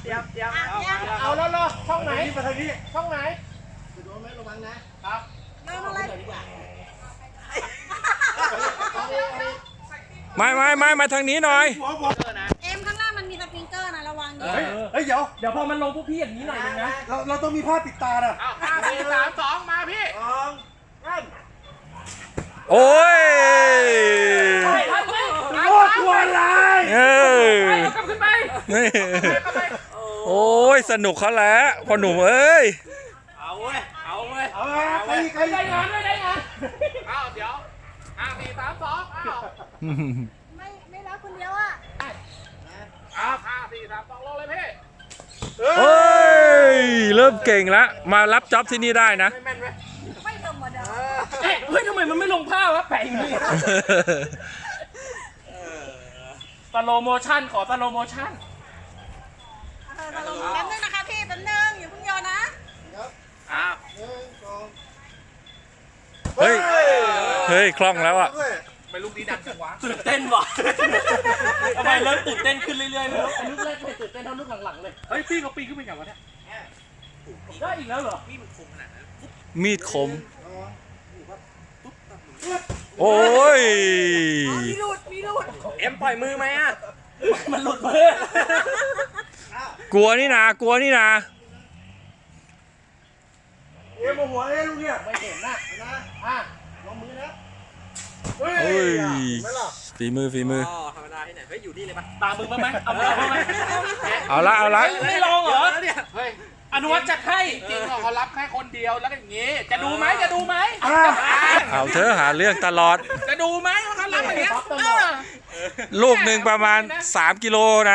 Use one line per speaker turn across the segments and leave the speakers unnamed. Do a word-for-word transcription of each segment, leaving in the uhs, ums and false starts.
เตรียมเตรียม
เอาแล้วรอช่องไหน
มาทางนี้
ช่องไหน
จะโดนไหมระวังนะครับ
เริ่มอะไร
ไม่ไม่ไม่มาทางนี้หน่อย
หัวหัว
เอ็มข้างล่างมันมีสปริงเกอร์นะระวังดิ
เฮ้ยเฮ้ยเดี๋ยว
เดี๋ยวพอมันลงพวกพี่อย่างนี้หน่อยนึงนะ
เราเราต้องมีผ้าปิดตาน่ะ
เอาห้าสี่สามสองมาพี่
สองสาม
โอ้ย
โอ้กลัวอะไร
เออ
กลับขึ้นไป
นี่โอ้ยสนุกเขาแล้วพอหนุ่มเอ้ย
เอาเว้ยเอาเว้ย
เอาละใครใคร
ได้งานด้วยได้งาน
เอาเดี๋ยวห้าสี่สามสองเอา
ไม่ไม่รับคนเดียวอ่ะ
เอาห้าสี่สามสองลงเลยพี่
เฮ้ยเริ่มเก่งแล้วมารับจ็อบที่นี่ได้นะ
ไม่แม่นไหม
ไม่ธรรมดา
เอ๊ะเฮ้ยทำไมมันไม่ลงผ้าวะแปะอย่างนี้สโลโมชั่นขอสโลโมชั่น
เออมาลงแป๊บนึงนะคะพี่แป๊บนึงอย่าเพิ่งโยนนะ
อ้าว
หนึ่งสอง
เฮ้ยเฮ้ยคล่องแล้วอ่ะ
ไม่ลูกดีดังจังวะ
ตื่นเต้นว่ะทำไมเริ่มตื่นเต้นขึ้นเรื่อยๆไม่รู้อันลูกแรกไม่ตื่นเต้นเท่าลูกหลังๆเลย
เฮ้ยพี่เขาปีนขึ้นไปอย่างวะเนี่ย
ได้อีกแล้วเหรอ
พี่มันคมขนาดนั้น
มีดคม โอ้ย
มีหลุดมีหลุด
เอ็มปล่อยมือไหมอ่ะ
มันหลุดมือก
ลัวนี่นากลัวนี่นา
เอ็มหัวเอ้ลูกเนี่ย
ไม่เห็นนะ
นะ
อ่ะ
ลงมือนะ
เฮ้ยฝีมือฝีมือ
อ๋อธรรมดาที่ไหนเฮ้ยอยู่นี่เลยปะ
ตามมึงบ้างไหมเอามือบ้างไหม
เอาละเอาละ
ไม่ลองเหรอ
เนี่ยเฮ้ย
อนุวัฒน์จัดให้
จริงๆเขารับแค่คนเดียวแล้วก็อย่างงี้ จะดูไหมจะดูไหม
เอาเธอหาเรื่องตลอด
จะดูไหมว่าเขารับอย่างเงี้ยเออ
ลูกหนึ่งประมาณสามกิโลนะ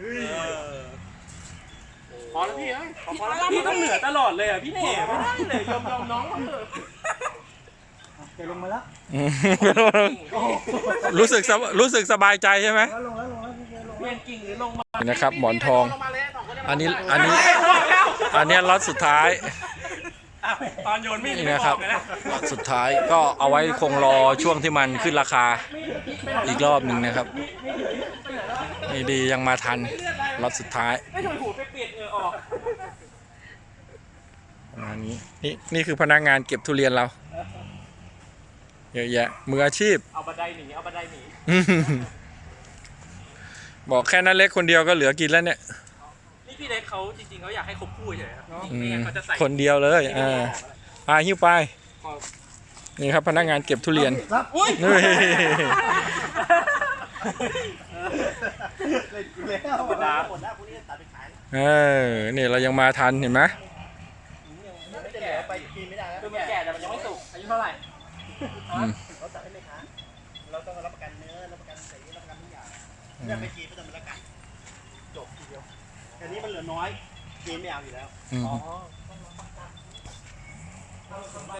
พอแล้วพี่เอ้ยพอพอแล้ว
พี่ต้องเหนือตลอดเลยอ่ะพี่เน่ไม่ได้เลยยอมยอมน้องเขาเถอะ
แกลงมาแล้ว
รู้สึกสบรู้สึกสบายใจใช่ไหม
ลงแล้วลงแล้วพี่แกลง
เรียนกิ่งหรือลงมา
นี่นะครับหมอนทอง
ลงมาเลยสองคนเย
อันนี้อันนี้อันนี้ล็อตสุดท้าย
อ่ะตอนโยนมีด
นี่
ไม่
นะ
บ
ครั
อบ กเลยนะ
ล็อตสุดท้ายก็เอาไว้คงรอช่วงที่มันขึ้นราคาอีกรอบหนึ่งนะครับนี่ดียังมาทันล็อตสุดท้าย
ไม่ถูกหูไปเปลี่ยนเออออก
ประมาณนี้นี่นี่คือพนักงานเก็บทุเรียนเราเยอะแยะมืออาชีพ
เอาบันไดหนีเอาบันไดหนี
บอกแค่นั้นเล็กคนเดียวก็เหลือกินแล้วเนี่ย
นี่พี่เล็กเขาจริงๆเขาอยากให้คบคู่เฉยๆครับ
อื
ไม่
ม
งั้นเขาจะใส่
คนเดียวเลยอ่าไปหิ้วไปนี่ครับพนักงานเก็บทุเรียน
รับ
อุ้ย
นี่
เล่นกูแล้ว
ธรรมดา
หมดแล้วพวกนี้ตัดไปขาย
เออนี่เรายังมาทันเห็นไหม
ไม่จะเหลือไปกินไม่ได้แล้ว
คือมันแก่แต่มันยังไม่สุกอายุเท่าไหร่
อืม
เราตัดให้ไหมคะเราต้องรับประกันเนื้อรับประกันสีรับประกันทุกอย่างเนี่ยไปกินไม่ต้องมาละกันจบทีเดียวอันนี้มันเหลือน้อยกินไม่เอาอยู่แล้ว
อืม